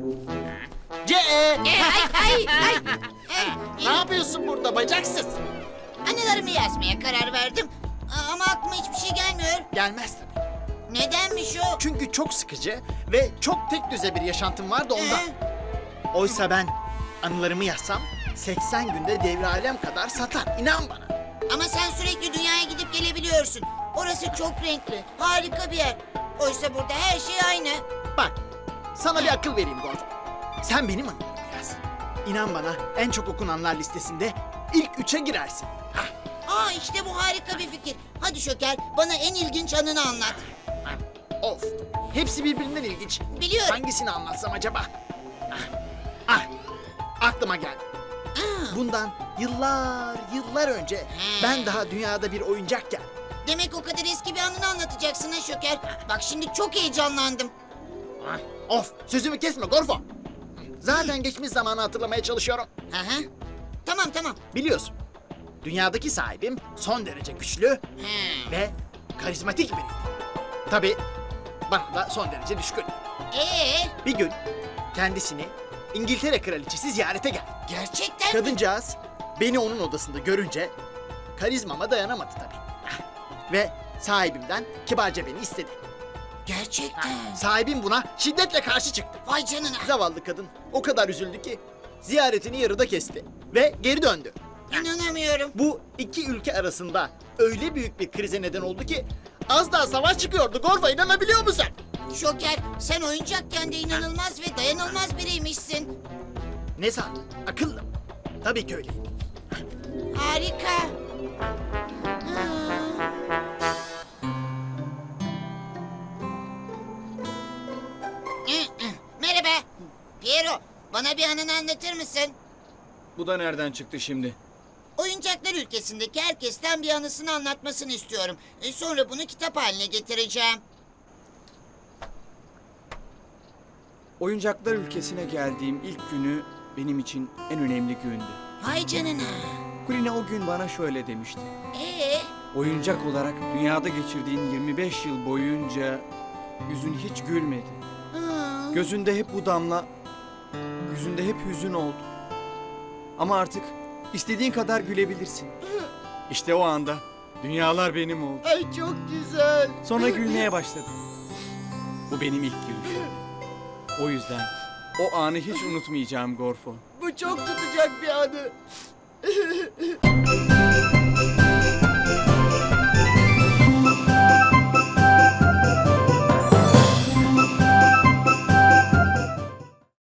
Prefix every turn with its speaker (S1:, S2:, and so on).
S1: Ay.
S2: Ne yapıyorsun burada bacaksız?
S1: Anılarımı yazmaya karar verdim. Ama aklıma hiçbir şey gelmiyor.
S2: Gelmez tabii.
S1: Nedenmiş o?
S2: Çünkü çok sıkıcı ve çok tek düze bir yaşantım vardı ondan. Oysa ben anılarımı yazsam 80 günde devre alem kadar satar. İnan bana.
S1: Ama sen sürekli dünyaya gidip gelebiliyorsun. Orası çok renkli, harika bir yer. Oysa burada her şey aynı.
S2: Bak, sana bir akıl vereyim Gorf. Sen benim anılarımı yaz. İnan bana en çok okunanlar listesinde ilk 3'e girersin.
S1: Aa işte bu harika bir fikir. Hadi Şoker, bana en ilginç anını anlat.
S2: Of, hepsi birbirinden ilginç.
S1: Biliyorum.
S2: Hangisini anlatsam acaba? Aklıma geldi. Bundan yıllar önce ben daha dünyada bir oyuncakken
S1: Demek o kadar eski bir anını anlatacaksın ha Şoker. Bak şimdi çok heyecanlandım.
S2: Of, sözümü kesme Gorfo. Zaten geçmiş zamanı hatırlamaya çalışıyorum.
S1: Hı. Tamam.
S2: Biliyorsun, dünyadaki sahibim son derece güçlü ve karizmatik biriydi. Tabii bana da son derece düşkün. Bir gün kendisini İngiltere kraliçesi ziyarete geldi.
S1: Gerçekten mi?
S2: Kadıncağız beni onun odasında görünce karizmama dayanamadı tabii. Ve sahibimden kibarca beni istedi.
S1: Gerçekten.
S2: Sahibim buna şiddetle karşı çıktı.
S1: Vay canına.
S2: Zavallı kadın o kadar üzüldü ki ziyaretini yarıda kesti ve geri döndü.
S1: İnanamıyorum.
S2: Bu iki ülke arasında öyle büyük bir krize neden oldu ki az daha savaş çıkıyordu. Gorfa, inanabiliyor musun?
S1: Şoker, sen oyuncakken de inanılmaz ve dayanılmaz biriymişsin.
S2: Ne sandın? Akıllım. Tabii ki öyleyim.
S1: Harika. Merhaba. Piero, bana bir anını anlatır mısın?
S3: Bu da nereden çıktı şimdi?
S1: Oyuncaklar ülkesindeki herkesten bir anısını anlatmasını istiyorum. Sonra bunu kitap haline getireceğim.
S3: Oyuncaklar ülkesine geldiğim ilk günü benim için en önemli gündü.
S1: Hay canına.
S3: Kulina o gün bana şöyle demişti.
S1: Ee,
S3: Oyuncak olarak dünyada geçirdiğin 25 yıl boyunca yüzün hiç gülmedi. Gözünde hep bu damla, yüzünde hep hüzün oldu. Ama artık istediğin kadar gülebilirsin. İşte o anda dünyalar benim oldu.
S2: Ay çok güzel.
S3: Sonra gülmeye başladım. Bu benim ilk gülüşüm. O yüzden o anı hiç unutmayacağım Gorfo.
S2: Bu çok tutacak bir anı.